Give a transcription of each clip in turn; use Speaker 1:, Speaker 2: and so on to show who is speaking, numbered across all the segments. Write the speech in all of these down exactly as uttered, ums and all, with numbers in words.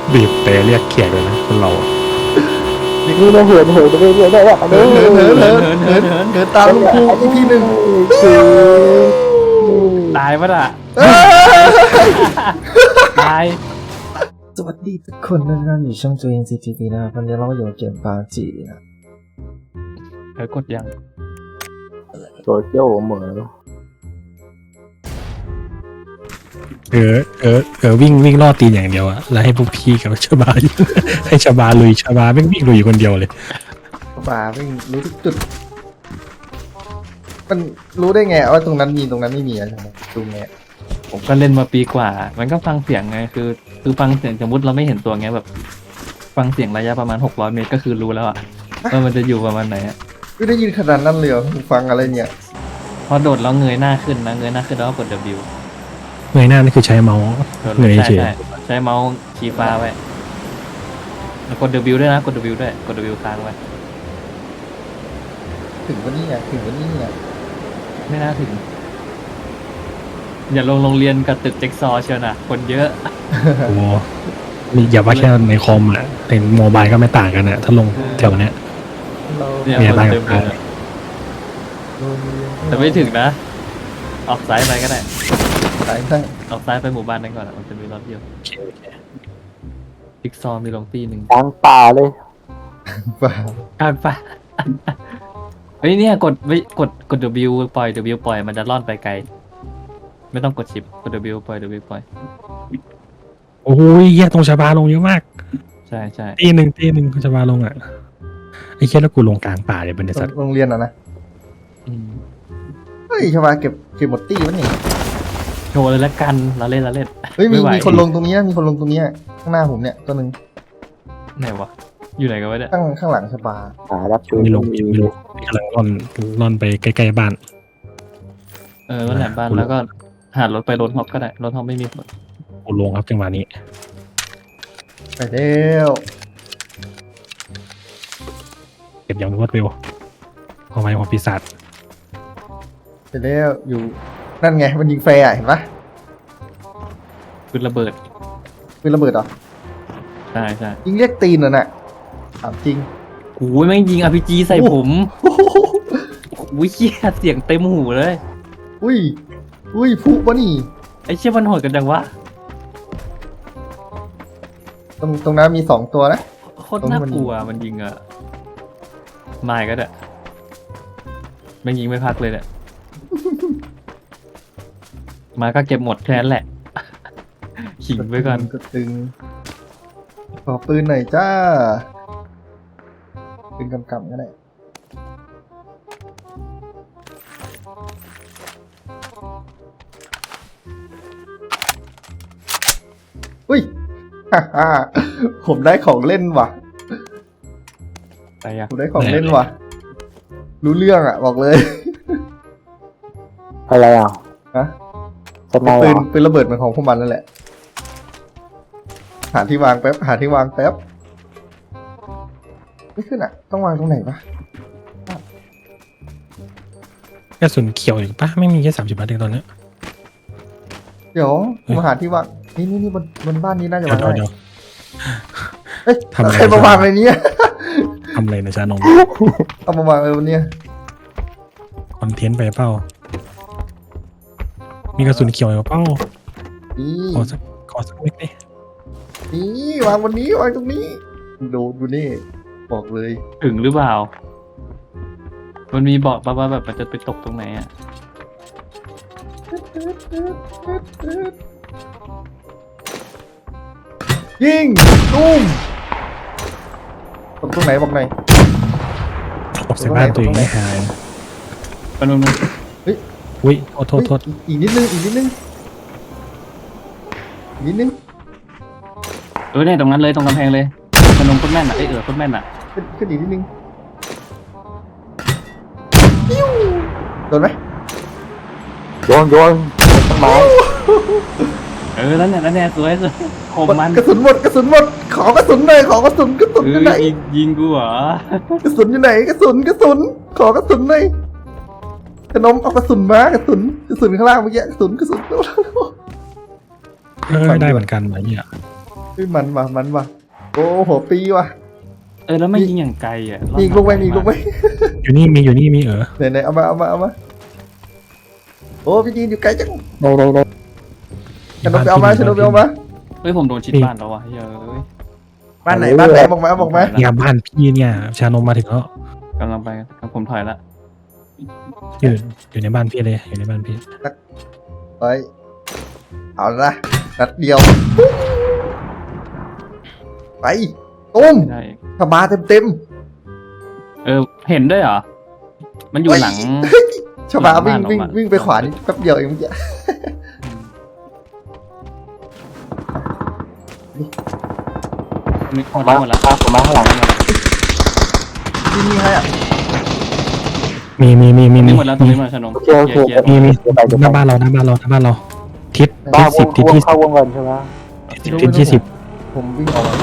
Speaker 1: บีบแต่เรียกแขกเลยนะคนเรา
Speaker 2: นี่มาเหินเหินไปเรื่อยๆได้แบบ
Speaker 3: เหินเหินเหินเหินเหินเหินเหินตามลุงครูอีกทีหนึ่ง
Speaker 2: คือ
Speaker 4: ตายปะล่ะตาย
Speaker 2: สวัสดีทุกคนนะครับอยู่ช่องจูเอ็นซีทีวีนะครับวันนี้เราอยู่เกมปาจีนะ
Speaker 4: เออกดยัง
Speaker 2: โซเชียลเหมือน
Speaker 1: เออเออเออวิ่งวิ่งล่อตีนอย่างเดียวอะแล้วให้พวกพี่กับชาบาอยู่ ให้ชาบาลุยชาบาไม่งวิ่งลุยอยู่คนเดียวเลย
Speaker 3: ป่าวิ่งรู้ทุกจุดมันรู้ได้ไงว่าตรงนั้นมีตรงนั้นไม่มีอะไรตรงไง
Speaker 4: ผมก็เล่นมาปีกว่า มันก็ฟังเสียงไงคือคือฟังเสียงสมมติเราไม่เห็นตัวไงแบบ ฟังเสียงระยะประมาณหกร้อยเมตรก็คือรู้แล้วอะว่ามันจะอยู่ประมาณไหนอะ
Speaker 3: ไม่ได้ยินขนาดนั้นเลยเหรอฟังอะไรเนี่ย
Speaker 4: พอโดดแล้วเงยหน้าขึ้นนะเงยหน้าขึ้นแล้วก็กด W
Speaker 1: เงยหน้านี่คือใช้เมาส์
Speaker 4: โดด
Speaker 1: เงย
Speaker 4: ใช่
Speaker 1: เฉย
Speaker 4: ใช่ใช้เมาส์ชี้ฟ้าไว้แล้วกด W ด้วยนะกด W ด้วยกด W ค้างไว้
Speaker 3: ถึงวันนี้เนี่ยถึงวันนี้เนี่ย
Speaker 4: ไม่น่าถึง อย่าลงโรงเรียนกับตึกเจ็กซอว์เชียวนะคนเยอะ
Speaker 1: โอ้โหมีอย่าว่าแค่ในคอมอะในโมบายก็ไม่ต่างกันอะถ้าลงแถวเนี้ย
Speaker 3: เรา
Speaker 4: เนี่ย
Speaker 1: เนี่ย
Speaker 4: คน
Speaker 1: บ้าน
Speaker 4: เต็ม
Speaker 1: กับ
Speaker 4: เลยแต่ไม่ถึงนะ ออกซ้ายไปก็ได้
Speaker 3: สายทั้ง
Speaker 4: ออกซ้ายไปหมู่บ้านนั้นก่อนอะมันจะมีรถเดียว
Speaker 1: โอเคโอเค
Speaker 4: จิ๊กซอว์มีลงตีหนึ่ง
Speaker 2: กลางป่าเลย
Speaker 3: ป่าก
Speaker 4: ลางป่ะ เฮ้ยเนี่ยกดไม่กดกด W ปล่อย W ปล่อยมันจะล่อนไปไกล ไม่ต้องกดชิปกด W ปล่อย W ปล่อย
Speaker 1: โอ้ยแย่ตรงชาบาลงเยอะมาก
Speaker 4: ใช่ใช่
Speaker 1: ตีหนึ่งตีหนึ่งชาบาลงอะไอ้แค่แล้วกูลงกลางป่าเลยบรรยากาศ
Speaker 3: โรงเรียนอ่ะนะ
Speaker 4: อืม
Speaker 3: เฮ้ยชาวาเก็บเก็บหมดตี้วะนี่
Speaker 4: โชว์เลยละกันเราเล่นเราเล่น
Speaker 3: เฮ้ยมี
Speaker 4: ไม่ไหว
Speaker 3: มีคนลงตรงนี้นะมีคนลงตรงนี้ข้างหน้าผมเนี่ยตัวหนึ่ง
Speaker 4: ไหนวะ อยู่ไหนกันวะเนี่ย
Speaker 3: ข้างข้างหลังชาวา
Speaker 2: หารับชู
Speaker 1: ไม่ลงไม่ลงกำลังล่อนล่อนไปใกล้ๆบ้าน
Speaker 4: เออวันแหลมบ้านแล้วก็หารถไปรถฮอปก็ได้รถฮอปไม่มีคน
Speaker 1: กูลงครับจังหวะนี้
Speaker 3: ไปเร็ว
Speaker 1: เก็บอย่างรวดเร็วเอาไว้ของปีศาจ
Speaker 3: ไปเร็วอยู่นั่นไงมันยิงแฟร์อะเห็นปะ
Speaker 4: ปืนระเบิด
Speaker 3: ปืนระเบิดเหรอ
Speaker 4: ใช่ใช่
Speaker 3: ยิงเรียกตีนเหรอน่ะถามจริง
Speaker 4: โอ้ยแม่งยิง อาร์ พี จี ใส่ผมอุ้ยเหี้ยเสียงเต็มหูเลย
Speaker 3: อุ้ยอุ้ยพุวะนี่
Speaker 4: ไอ้เชี่ยมันโหดกันจังวะ
Speaker 3: ตรงตรงนั้นมีสองตัวนะ
Speaker 4: โคตรน่ากลัวมันยิงอะไม่ก็ได้แม่งยิงไม่พักเลยเนี่ย มาก็เก็บหมดแค่นั้นแหละ ขิงไว้ก่อน
Speaker 3: ก็ตึงขอปืนหน่อยจ้าปืนกำกับก็ได้อุ้ย ฮ่าฮ่าผมได้ของเล่นว่ะ
Speaker 4: ไปอะ
Speaker 3: ผมได้ของเล่นว่ะ รู้เรื่องอ่ะ บอกเลย
Speaker 2: อะไรอ่ะ
Speaker 3: ฮะ
Speaker 2: สไนเหร
Speaker 3: ปืน
Speaker 2: อ
Speaker 3: ปืนระเบิดเหมือนของพวกมันนั่นแหละ หาที่วางแป๊บ หาที่วางแป๊บ ไม่ขึ้นอ่ะ ต้องวางตรงไหนปะ
Speaker 1: กระสุนเขียวอยู่ปะไม่มีแค่สามสิบนัดเองตอนเนี้ย
Speaker 3: เดี๋ยว
Speaker 1: เฮ้ย
Speaker 3: มาหาที่วาง นี่นี่นี่บนบนบ้านนี้น่าจะ
Speaker 1: เดี๋ยว
Speaker 3: วาง
Speaker 1: เดี๋ยว
Speaker 3: ได้
Speaker 1: เดี๋ยว
Speaker 3: เอ้ย
Speaker 1: ทำอะไร
Speaker 3: ใครมาวางในนี้
Speaker 1: ทำอะไรนะจ๊ะน้อง
Speaker 3: เอามาวางไว้บนเนี้ย
Speaker 1: คอนเทนต์ไปเปล่ามีกระสุนเขียวอยู่เปล่า
Speaker 3: นี่
Speaker 1: ขอสักขอสักนิดดิ
Speaker 3: นี่วางบนนี้วางตรงนี้ ดูดูนี่ บอกเลย
Speaker 4: ถึงหรือเปล่า มันมีบอกป่ะว่าแบบมันจะไปตกตรงไหนอะ
Speaker 3: ยิงตุ้มตรงตรงไหนบอกหน่อย
Speaker 1: ตกใส่บ้านตัวเองไม่หาย
Speaker 4: ปนุนง
Speaker 1: อุ้ยโทษโทษโทษ
Speaker 3: เฮ้ยอีกนิดนึง อีกนิดนึง อีกนิดนึง
Speaker 4: เออเนี่ยตรงนั้นเลยตรงกำแพงเลยปนุนโคตรแม่นอะไอยเออโคตรแม่นอะ
Speaker 3: ขึ้นขึ้นอีกนิดนึงปิ้วโดนไหม
Speaker 2: โยนโยนต้นไม้
Speaker 4: เออแล้วเนี่ยแล้วเนี่ยสวยสวยคมมัน
Speaker 3: กระสุนหมดกระสุนหมด ขอกระสุนหน่อยขอกระสุนกระสุน
Speaker 4: เอ
Speaker 3: อยู่
Speaker 4: อ
Speaker 3: ไหน
Speaker 4: ยิงยิงกูเหรอก
Speaker 3: ระสุนอยู่ไหนกระสุนกระสุน ขอกระสุนหน่อยขนมเอากระสุนมากระสุนกระสุนข้างล่างเมื่อกี้กระสุนกระสุน
Speaker 1: เออได้เหมือนกันไหมเนี่ย
Speaker 3: กฮ้ยมันว่ะมันว่ะโอ้หัวปีว่ะ
Speaker 4: เออแล้วไม่ยิงอย่างไกลอ่ะ
Speaker 3: มีอีกลูกไหมมีอีกลูกไหม
Speaker 1: อยู่นี่มีอยู่นี่มีเออ
Speaker 3: ไหนไหนเอามาเอามาเอามาโอ้พี่จีนอยู่ไกลจัง
Speaker 2: ในในใน
Speaker 3: ฉันเอาไปเอามาฉันเอาไปเอามา
Speaker 4: เฮ้ยผมโดนชิดบ้านแล้วว่ะเฮ้ย
Speaker 3: บ้านไหนบ้านไหนบอกมาบอกมา
Speaker 1: เนี่ยบ้านพี่เนี่ยชานมมาถึงแล้ว
Speaker 4: กำลังไปผมถอยละ
Speaker 1: อยู่อยู่ในบ้านพี่เลยอยู่ในบ้านพี่
Speaker 3: ไปเอาละนัดเดียวไปตุ้ม
Speaker 4: ได้
Speaker 3: ถ้ามาเต็มเต็ม
Speaker 4: เออเห็นด้วยเหรอมันอยู่หลัง
Speaker 3: ชาวบ้านวิ่ง
Speaker 4: หลังบ้าน
Speaker 3: วิ่ง
Speaker 4: ออกมา
Speaker 3: วิ่งไปขวานี่แป๊บเดียวเองเมื่อกี้
Speaker 4: นี่หมด
Speaker 2: มา
Speaker 4: แล้วหมดแล้ว
Speaker 2: ผมมาข้างหลัง
Speaker 3: ที่นี่ให้อ่ะ
Speaker 1: มีมีมีมี
Speaker 4: นี่
Speaker 1: มี
Speaker 4: หมดแล้วตรงนี้หมดแล้วชนม
Speaker 2: โอเคโอเค
Speaker 4: เคลียร์
Speaker 1: มีมี
Speaker 2: เดี๋ยวไปเดี๋ยว
Speaker 1: ห
Speaker 2: ไป
Speaker 1: น้าบ้านเราหน้าบ้านเราหน้าบ้านเราทิศ
Speaker 2: บ้า
Speaker 1: ทิศ
Speaker 2: ว
Speaker 1: สิบ
Speaker 2: ง
Speaker 1: ทิศ
Speaker 2: วง
Speaker 1: ที่
Speaker 2: เข้าวงเงินใช่ไหม
Speaker 1: สิบทิศที่สิบ
Speaker 3: ผมวิ่งออกมา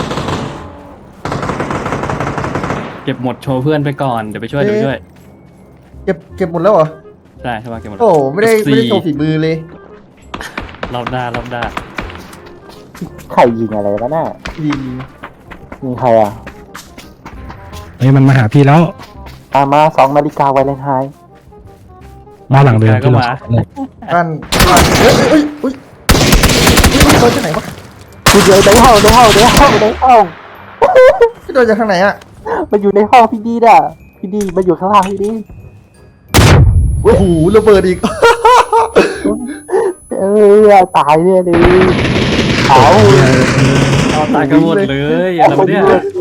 Speaker 4: เก็บหมดโชว์เพื่อนไปก่อนเดี๋ยวไปช่วยเดี๋ยวไปช่วย
Speaker 3: เก็บเก็บหมดแล้วเหรอ
Speaker 4: ได้ใช่ป่ะเก็บหมด
Speaker 3: โอ้ไม่ได้
Speaker 4: สี่
Speaker 3: ไม่ได้โชว์ฝีมือเลย
Speaker 4: รอบด้ารอบด้า
Speaker 2: ใครยิงอะไรวะน่ะ
Speaker 3: ดี
Speaker 2: มีใครอ่ะ
Speaker 1: เฮ้ยมันมาหาพี่แล้ว
Speaker 2: ตามมาสองนาฬิกาไวเลนไทน์
Speaker 1: มาหลังเดิม
Speaker 4: ก็
Speaker 1: ที่เรา
Speaker 4: มา
Speaker 1: เข้าเลย
Speaker 3: บ้านบ้านเฮ้ยเฮ้ยเฮ้ยเฮ้ยโดนจากไหนวะ
Speaker 2: คือเดี๋ยวในห้องในห้องในห้องในห้อง
Speaker 3: พี่โดนจากทางไหนอ่ะ
Speaker 2: มันอยู่ในห้องพี่ดีน่ะพี่ดีมันอยู่ข้างล่างพี่ดี
Speaker 3: โอ้โหระเบิดอีก
Speaker 2: เออตายเนี่ยดิเอา
Speaker 4: เอาตายกันหมดเลยอะไรวะเนี่ย
Speaker 2: เลย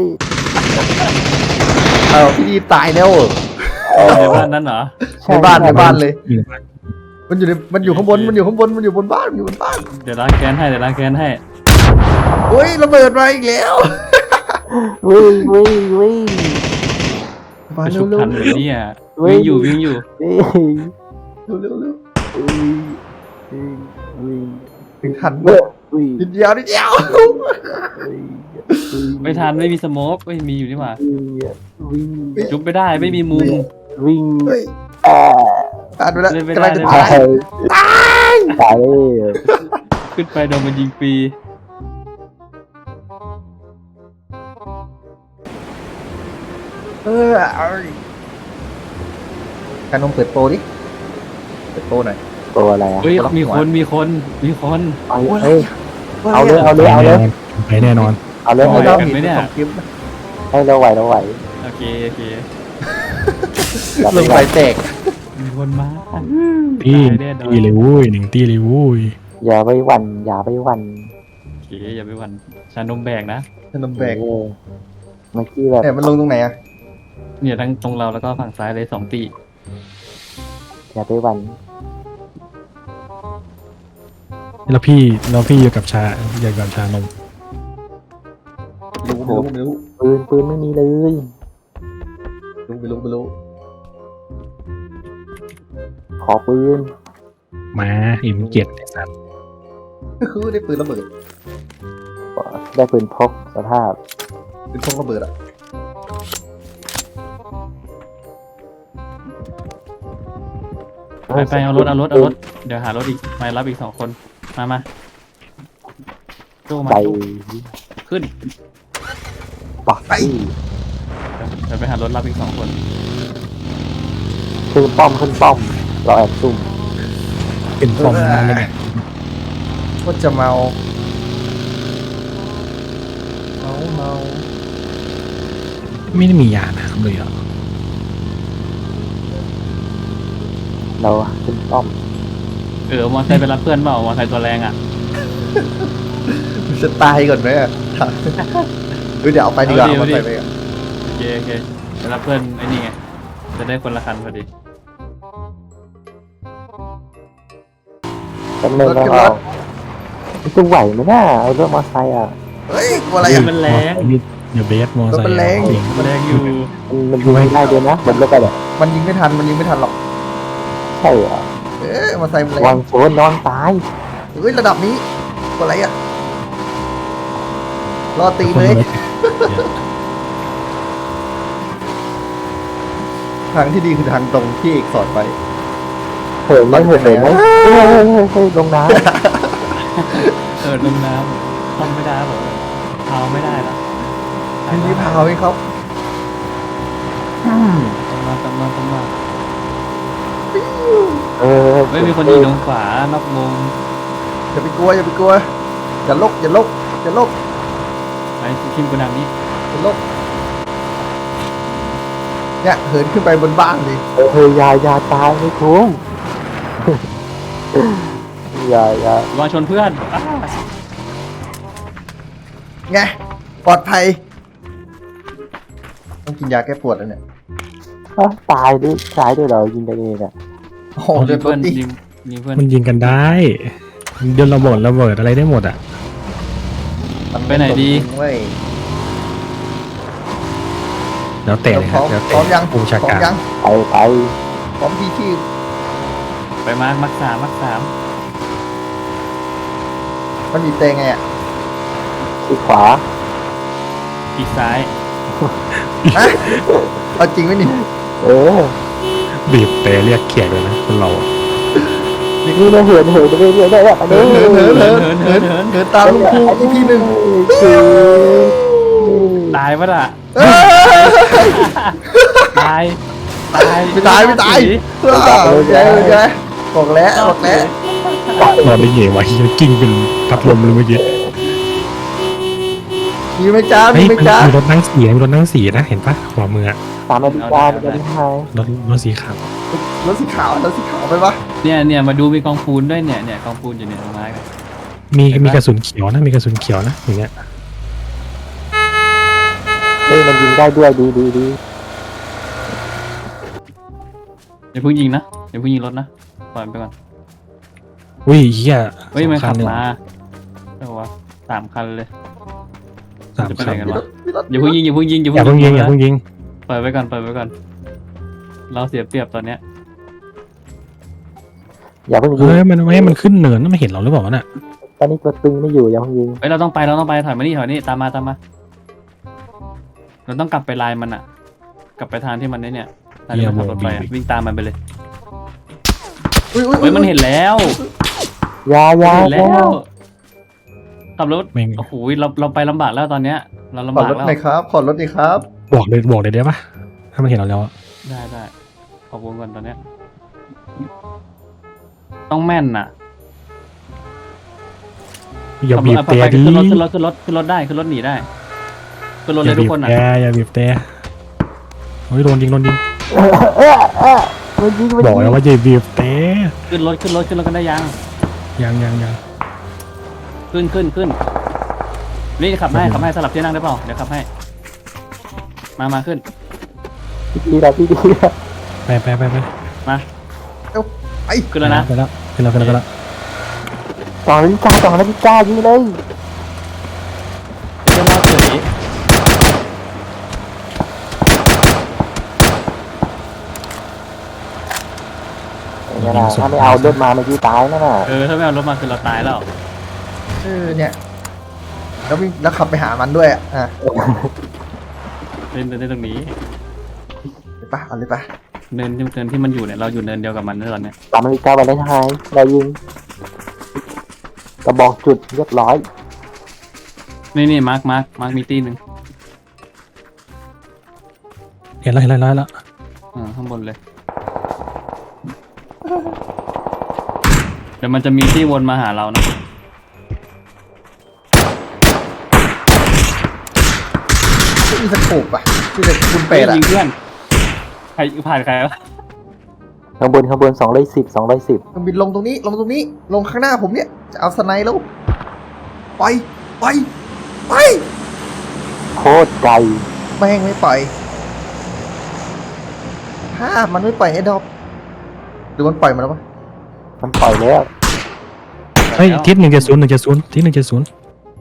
Speaker 3: เอาพี่ดีตายแล้วเหรอ
Speaker 4: ในบ้านนั้นเหรอ
Speaker 3: ในบ้านในบ้านเลย
Speaker 1: อยู่ในบ้าน
Speaker 3: มันอยู่ในมันอยู่ข้างบนมันอยู่ข้างบนมันอยู่บนบ้านมันอยู่บนบ้าน
Speaker 4: เดี๋ยวล้างแค้นให้เดี๋ยวล้างแค้นให้
Speaker 3: เฮ้ยระเบิดมาอีกแล้ว
Speaker 2: วิ่งวิ่งวิ่ง
Speaker 3: มา
Speaker 4: ไป
Speaker 3: เร็
Speaker 4: ชุ
Speaker 3: ว
Speaker 4: บ
Speaker 3: เร็ว
Speaker 4: ทันเลยเนี่ยวิ่งอยู่วิ่งอยู่
Speaker 2: วิ่ง
Speaker 3: เร็วเร็วเร็ว
Speaker 2: วิ่งวิ่ง
Speaker 3: ถึงทัน
Speaker 2: วิ่งวิ่ง
Speaker 3: นิดเดียวนิดเดียว
Speaker 4: ไม่ทันไม่มีสโมกไม่มีอยู่นี่หว่า
Speaker 2: วิ่ง
Speaker 4: ชุบไม่ได้ไม่มีมุม
Speaker 2: วิ่ง
Speaker 3: เฮ้ย
Speaker 2: แอ
Speaker 3: ผ่านไปแล้ว
Speaker 4: เล่นไม่
Speaker 3: กำ
Speaker 4: ได้
Speaker 3: ลังจะ
Speaker 4: เล่น
Speaker 3: ตา
Speaker 4: ไม่
Speaker 3: ย
Speaker 2: ตายตายเลย
Speaker 4: ขึ้นไปโดนมันยิงฟรี
Speaker 3: เออเอาการนมเปิดโปรดิเปิดโปรหน่อย
Speaker 2: ตัวอะไรอ่ะ
Speaker 4: เฮ้ยมีคนมีคนมีคน
Speaker 2: เอาเฮ้ยเอาเลยเอาเลยเอาเลย
Speaker 1: ไปแน่นอน
Speaker 2: เอาเลย
Speaker 3: ให้
Speaker 2: เอาเล
Speaker 3: เรา
Speaker 2: ย
Speaker 3: เห็นเป็นของคลิปนะ
Speaker 2: ให้เราไหวเราไหว
Speaker 4: โอเคโอเค
Speaker 2: อย่า
Speaker 3: ล
Speaker 2: ไป
Speaker 3: ง
Speaker 2: ไหว
Speaker 3: ไปแตก
Speaker 4: มีคนมา
Speaker 1: ตี
Speaker 4: ตายแน่นอน
Speaker 1: ตีเลยวุ้ยหนึ่งตีเลยวุ้ย
Speaker 2: อย่าไปหวั่นอย่าไปหวั่น
Speaker 4: โอเคอย่าไปหวันชานมแบกนะ
Speaker 3: ขนมแบก
Speaker 2: เออเมื่อกี้แบบ
Speaker 3: เนี่ยมันลงตรงไหนอ่ะ
Speaker 4: เนี่ยทั้งตรงเราแล้วก็ฝั่งซ้ายเลยสองตี
Speaker 2: อย่าไปหวั่น
Speaker 1: แล้วพี่แล้วพี่อยู่กับชาอยู่กับชานม
Speaker 3: รู้ไม่รู้ไม่รู้
Speaker 2: ปืนปืนไม่มีเลย
Speaker 3: รู้ไม่รู้ไม่รู้
Speaker 2: ขอปืน
Speaker 1: มาอิมเจ็ดไอ้สัตว์
Speaker 3: ก็คือได้ปืนระเบิด
Speaker 2: ได้ปืนพกสภาพ
Speaker 3: ปืนพกระเบิดอ่ะ
Speaker 4: ไปไปเอารถเอารถเอารถเดี๋ยวหารถอีกมารับอีกสองคนมามาโจ้มา
Speaker 2: ใจ
Speaker 4: โจ้ขึ้น
Speaker 2: ปักไป
Speaker 4: เดี๋ยวไปหารถรับอีกสองคน
Speaker 2: ขึ้นป้อมขึ้นป้อมเราแอบซุ่ม
Speaker 1: เป็นฟอร์มนั่นเลยเนี่ย
Speaker 3: ก็จะเมาเมาเมา
Speaker 1: ไม่ได้มียาน้ำเลยเหรอ
Speaker 2: เราขึ้นป้อม
Speaker 4: เออมอไซค์ไปรับเพื่อนเปล่ามอไซค์ตัวแรงอ่ะ
Speaker 3: จะตายก่อนไหมอ่ะเฮ้ยเดี๋ยวเอาไปดีกว่าเอาไปไปอ่ะ
Speaker 4: โอเคโอเคไปรับเพื่อนไอ้นี่ไงจะได้คนละคันพอดี
Speaker 2: จำเนินแล้วเราจะไหวไหมน่าเอารถมอเตอร์ไซค์อ่ะ
Speaker 3: เฮ้ยกลัวอะไรอ่ะ
Speaker 4: มันแรง
Speaker 1: เดี๋ยวเบสมอไซ
Speaker 3: มัน
Speaker 1: ค์
Speaker 3: แรง
Speaker 1: จริง
Speaker 4: มันแรงอยู่
Speaker 2: มันยิงไม่ได้ด้วยนะบนรถไปเลย
Speaker 3: มันยิงไม่ทันมันยิงไม่ทันหรอก
Speaker 2: ใช่เหรอ
Speaker 3: เอ๊ะมาใส่มันแร
Speaker 2: วั
Speaker 3: ง
Speaker 2: งโซนนอนตาย
Speaker 3: เฮ้ยระดับนี้กลัวอะไรอ่ะรอตีเลยทางที่ดีคือทางตรงที่เอกสอนไป
Speaker 2: เหินไหมเหินไหมเฮ้ยเฮ้ยเฮ้ยเฮ้ยลงน้
Speaker 4: เออลงน้ทำไม่ได้ผมเอาไม่ได้แล้ว
Speaker 3: มีรีพาวไหมครับ
Speaker 4: ต้องมาต้องมาต้องมา
Speaker 5: เออ
Speaker 4: ไม่มีคนยิงตรงขวานอกวง
Speaker 3: อย่าไปกลัวอย่าไปกลัวอย่าลกอย่าลกอย่าลก
Speaker 4: ไปทีมกระดังนี้
Speaker 3: อย่าลกเนี่ยเหินขึ้นไปบนบ้านเลย
Speaker 5: เออเฮ้ยอยาอยาตายไม่คุ้มอย่าอย่าว
Speaker 4: างชนเพื่อนอ้า
Speaker 3: ไงปลอดภัยต้องกินยาแก้ปวดแล้วเนี่ย
Speaker 5: อ้าวตายด้วยตายด้วยเหรอยิงกันเองอ่ะ
Speaker 3: โอ้โห
Speaker 4: ยิ
Speaker 3: เดือง ด
Speaker 4: เพื่อน
Speaker 3: ดิ
Speaker 4: ยิงยิงเพื่อน
Speaker 1: มันยิงกันได้เดินระเบิดระเบิดอะไรได้หมดอ่ะ
Speaker 4: ไปไหนดี
Speaker 3: เว้ย
Speaker 1: แล้วแต่เลย
Speaker 3: พ
Speaker 1: ครั
Speaker 3: ร้
Speaker 1: บ
Speaker 3: อม
Speaker 1: แล้ว
Speaker 3: พร้อม
Speaker 1: แต่
Speaker 3: ยัง
Speaker 1: ผู้บัญชา
Speaker 3: พร้อ
Speaker 1: การ
Speaker 3: มยัง
Speaker 5: ไปไป
Speaker 3: พร้อมที่ที่
Speaker 4: ไปมาร์คมักสามมักสาม
Speaker 3: มันมีเตงไงอ่ะ
Speaker 5: ที่ขวา
Speaker 4: อีกซ้าย
Speaker 3: ฮะเอาจริงไหมนี่
Speaker 5: เออ
Speaker 1: บีบแต่เรียกเขียดเลยนะคนเราอะ
Speaker 5: นี่นะเหินเหินไปเรื่อยๆได้แบบอัน
Speaker 3: เหิ
Speaker 5: นี้
Speaker 3: นเหินเหินเหินเหินเหินเหินตามลุงครูอีพีหนึ่ง
Speaker 5: คือ
Speaker 4: ตายปะล่ะ
Speaker 3: เอ้ย
Speaker 4: ตายตาย
Speaker 3: ไม่ตายไม่ตายอ้าวโอเคโอเคบอกแล้วบอกแล้ว
Speaker 1: นอนได้เหยวะยังกิ้งเป็นพัดลมเลยเมื่อกี้
Speaker 3: มีไหมจ้ามี
Speaker 1: เฮ้ย
Speaker 3: ไหม
Speaker 1: มัน
Speaker 3: จ้า
Speaker 1: มีรถนั่งสีมีรถนั่งสีนะเห็นปะขวามืออะ
Speaker 5: สามนาฬิกาเป็นนาฬิการ
Speaker 1: ถรถสีขาว
Speaker 3: รถสีขาวรถสีขาวไปปะ
Speaker 4: เนี่ยเนี่ยมาดูมีกองปูนด้วยเนี่ยเนี่ยกองปูนอยู่เนี่ยตรงไม้กัน
Speaker 1: มีมีกระสุนเขียวนะมีกระสุนเขียวนะอย่างเงี้ย
Speaker 5: เฮ้ยมันยิงได้ด้วยดีดีดี
Speaker 4: อย่าเพิ่งยิงนะอย่าเพิ่งยิงรถนะปล่อยมันไปก่อน
Speaker 1: อุ้ยเฮีย
Speaker 4: เฮ้ยมัน
Speaker 1: สอง
Speaker 4: ขับ
Speaker 1: เลย
Speaker 4: มาเรียกว่าสามคันเลย
Speaker 1: สาม
Speaker 4: จะไป
Speaker 1: คั
Speaker 4: ไหน
Speaker 1: น
Speaker 4: กัน
Speaker 3: มีร
Speaker 4: วะ
Speaker 3: ถมีรถ
Speaker 4: อย่าเพิ่งยิงอย่าเพิ่งยิงอย่า
Speaker 1: อย่า
Speaker 4: เพิ่
Speaker 1: เพิ่
Speaker 4: ง
Speaker 1: งยิงอย่า
Speaker 4: นะ
Speaker 1: เพิ่งยิง
Speaker 4: ปล่อยไว้ก่อนปล่อยไว้ก่อนเราเสียเปรียบตอนเนี้ย
Speaker 5: อย่าเพิ่งยิง
Speaker 1: เฮ้ยมันไม่ให้มันขึ้นเนินนะไม่เห็นเราหรือเปล่าวะน่ะ
Speaker 5: ตอนนี้ตัวตึงไม่อยู่อย่าเพิ่งยิง
Speaker 4: เฮ้ยเราต้องไปเราต้องไปถอยมานี่ถอยนี่ตามมาตามมาเราต้องกลับไปลายมันอะกลับไปทางที่มันไอ้เนี่ยทางที่มันขับรถไปอะวิ่งตามมันไปเลย
Speaker 3: อุ้ยอุ้ย
Speaker 4: เฮ้ยมันเห็นแล้ว
Speaker 5: อยาอยา
Speaker 4: เห็น
Speaker 5: อ
Speaker 4: แล้
Speaker 5: ย่าว
Speaker 4: ขับรถ
Speaker 1: แม่ง
Speaker 4: โอ้โหเราเราไปลำบากแล้วตอนเนี้ย เราลำาก
Speaker 3: ขอบรถ
Speaker 4: แล้ว
Speaker 3: หน่อยครับขอรถดีครับ
Speaker 1: บอกเลยบอกเลยได้ปะถ้ามันเห็นเราแล้วอะ
Speaker 4: ได้ได้ขอบคุณก่อนตอนเนี้ยต้องแม่นน่ะ
Speaker 1: อย่าบีบ
Speaker 4: ขั
Speaker 1: แต่
Speaker 4: ไป
Speaker 1: ดิ
Speaker 4: ขึ้นรถขึ้นรถขึ้นรถขึ้นรถได้ขึ้นรถหนีได้ขึ้นรถ
Speaker 1: อ
Speaker 4: เล
Speaker 1: ย่าย
Speaker 4: ทุ
Speaker 1: บี
Speaker 4: ก
Speaker 1: บ
Speaker 4: คนน่ะ
Speaker 1: แต่อย่าบีบแต่เฮ้ยโดนยิงโดนยิง
Speaker 5: เออเออเออมันยิงมัน
Speaker 1: บอก
Speaker 5: ยิ
Speaker 1: แล้ว
Speaker 5: ง
Speaker 1: ว่าอย่าบีบแต่
Speaker 4: ขึ้นรถขึ้นรถขึ้นรถกันได้ยัง
Speaker 1: ยังยังยัง
Speaker 4: ขึ้นขึ้นขึ้นนี่ขับให้ขับให้สลับที่นั่งได้เปล่าเดี๋ยวขับให้ มามาขึ้น
Speaker 5: ดีแล้วดีแล้ว
Speaker 1: ไปไปไปไป
Speaker 4: มา
Speaker 3: เอ้าไป
Speaker 4: ขึ้นแล้วนะ
Speaker 1: ไปแล้วไปแล้วไปแล้วไปแล้ว
Speaker 5: สองนาฬิกาสองนาฬิกายิงเลย
Speaker 4: เจ้าพ่อเฉย
Speaker 5: เนี่ยนะถ้าไม่เอารถมาเมื่อกี้ตายนั่นน่ะ
Speaker 4: เออถ้าไม่เอารถมาคือเราตายแล้ว
Speaker 3: เออเนี่ยแล้ววิ่งแล้วขับไปหามันด้วยอ่ะอ่ะ
Speaker 4: เล่นเล่นตรงนี้
Speaker 3: ไปปะเอาเลยปะ
Speaker 4: เนินที่เนินที่มันอยู่เนี่ยเราอยู่เนินเดียวกับมันนะตอนเนี้ย
Speaker 5: สามนาฬิกาวันเลนไทน์เรายิงกระบอกจุดเรียบร้อย
Speaker 4: นี่นี่มาร์คมาร์คมาร์คมีตี้หนึ่ง
Speaker 1: เห็นแล้วเห็นแล้วเห็นแล้ว
Speaker 4: อ่าข้างบนเลย เดี๋ยวมันจะมีที่วนมาหาเรานะ
Speaker 3: ไม่มีสโคปอ่ะมีแต่คุณเป็ดอ่ะ
Speaker 4: ยิงเพื่อนใครผ่านใครวะ
Speaker 5: ข้างบนข้างบนสองร้อยสิบสองร้อยสิบ
Speaker 3: มันบินลงตรงนี้ลงตรงนี้ลงข้างหน้าผมเนี่ยจะเอาสไนด์แล้วไปไปไป
Speaker 5: โคตรไกล
Speaker 3: แม่งไม่ปล่อยห้ามันไม่ปล่อยไอ้ดอกหรือมันปล่อยมาแล้วปะ
Speaker 5: มันปล่อยแล้ว
Speaker 1: เฮ้ยทิศหนึ่งเจ็ดศูนย์หนึ่งเจ็ดศูนย์ทิศหนึ่งเจ็ดศูนย์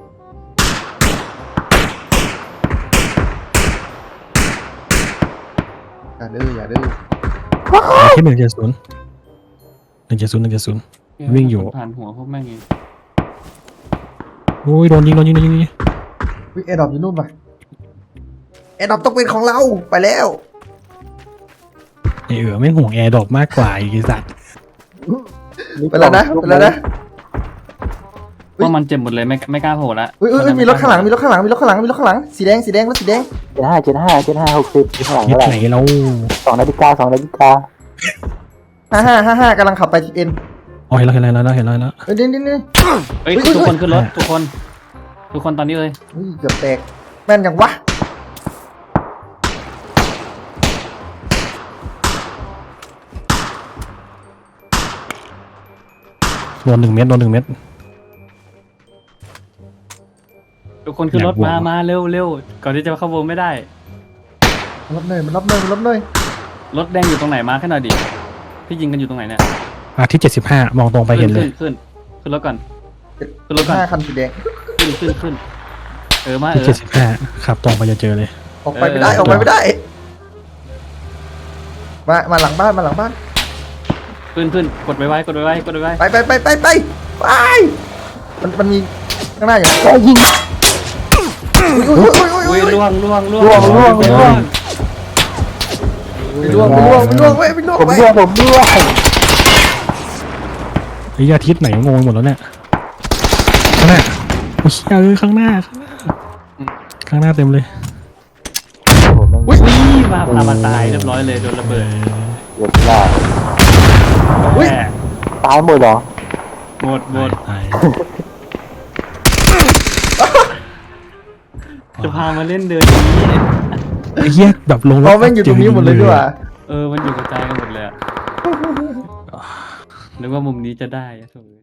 Speaker 3: อย่าดื้ออย่าดื้อ
Speaker 1: ทิศหนึ่งเจ็ดศูนย์หนึ่งเจ็ดศูนย์หนึ่งเจ็ดศูนย์ วิ่งอยู่
Speaker 4: ผ่านหัวพวกแม่งเอง
Speaker 1: โอ้ยโดนยิงโดนยิงโดนยิงโดนยิง
Speaker 3: วิไอ้ดอกอยู่นู่นปะไอ้ดอกต้องเป็นของเราไปแล้ว
Speaker 1: ไอเอ๋อไม่ห่วงแอร์ดรอปมากกว่าอีกไอ้สัตว์
Speaker 3: ไปแล้วนะไปแล้วนะไป
Speaker 4: ว่ามันเจ็บหมดเลยไม่ไม่กล้าโผล่ละ
Speaker 3: อุ้ยอุ้ยอุ้ยมีรถข้างหลังมีรถข้างหลังมีรถข้างหลังมีรถข้างหลังสีแดงสีแดงรถสีแดง
Speaker 5: เจ็ดห้าเจ็ดห้าเจ็ดห้าหกสิบข้างหลัง
Speaker 1: ยึด
Speaker 5: เท่าไหร่
Speaker 1: ไหนเรา
Speaker 5: สองนาฬิกาสองนาฬิกา
Speaker 3: ห้าห้าห้าห้ากำลังขับไปทีเอ็น
Speaker 1: อ๋อเห็นแล้วเห็นแล้วเห็นแล้วเห็นแล้ว
Speaker 3: เฮ้ยนี่นี่นี่
Speaker 4: เฮ้ย
Speaker 3: อุ๊ย
Speaker 4: ทุกคน
Speaker 3: อุ๊ย
Speaker 4: ขึ้นรถทุกคน ทุกคนตอนนี้เลย
Speaker 3: อุ้ยเกือบแตกแม่นยังวะ
Speaker 1: โดนหนึ่งเม็ดโดนหนึ่งเม็ด
Speaker 4: ทุกคนขึ้นรถ
Speaker 1: อยากบวก
Speaker 4: มามาเร็วเร็วก่อนที่จะเข้าวงไม่ได้
Speaker 3: มันรับเนยมันรับเนยมันรับเนย
Speaker 4: รถแดงอยู่ตรงไหนมาแค่หน่อยดิพี่ยิงกันอยู่ตรงไหนเนี่ย
Speaker 1: อาที่เจ็ดสิบห้ามองตรงไปเห็นเลย
Speaker 4: ขึ้นขึ้นขึ้นรถก่อน ขึ้นรถก่อน
Speaker 3: ห้าคันสีแดง
Speaker 4: ขึ้นขึ้นขึ้นเออมาเอ
Speaker 1: ที่
Speaker 4: อ
Speaker 1: เจ็ดสิบห้าขับตรงไปจะเจอเลย
Speaker 3: ออกไปไม่ได้
Speaker 4: เออ
Speaker 3: ออกไปไม่ได้ มามาหลังบ้านมาหลังบ้าน
Speaker 4: ขึ้นขึ้นกดไว้ไว้กดไว้ไว้กดไว้ไว้
Speaker 3: ไปไปไปไปไปไปมันมันมีข้างหน้าอยู่
Speaker 5: ก็ยิง
Speaker 3: อุ้ยอุ้ยอุ้ยอุ้ย
Speaker 4: อุ้
Speaker 3: อุ้
Speaker 4: ย
Speaker 3: ย
Speaker 4: ล่วงล่วงล่วง
Speaker 5: ล่วงล่วงล่วง
Speaker 3: ไปล่วงไปล่วงไปล่วงไปไปล่วง
Speaker 5: ผม
Speaker 3: ไป
Speaker 5: ด้วยผมด้วย
Speaker 1: ไอ้ยอาทิตย์ไหนงงหมดแล้วเนี่ยข้างหน้าโอ้ยเออข้างหน้าข้างหน้าข้างหน้าเต็มเลย
Speaker 5: ผมไม่
Speaker 4: อุ้ยมาพามาตายเรียบร้อยเลยโดนระเบิด
Speaker 5: เดือดร้อน
Speaker 3: อุ้ย
Speaker 4: แหม่
Speaker 5: ตายหมดเหรอ
Speaker 4: หมดหมด
Speaker 1: ตาย
Speaker 4: จะพามาเล่นเดินอย่างนี้
Speaker 1: ไอ้เหี้ยแบบลงรถ
Speaker 3: เราแม่งอยู่ตรงนี้หมดเลยด้วยว่ะ
Speaker 4: เออมันอยู่กระจายกันหมดเลยอะนึกว่ามุมนี้จะได้อะโถ่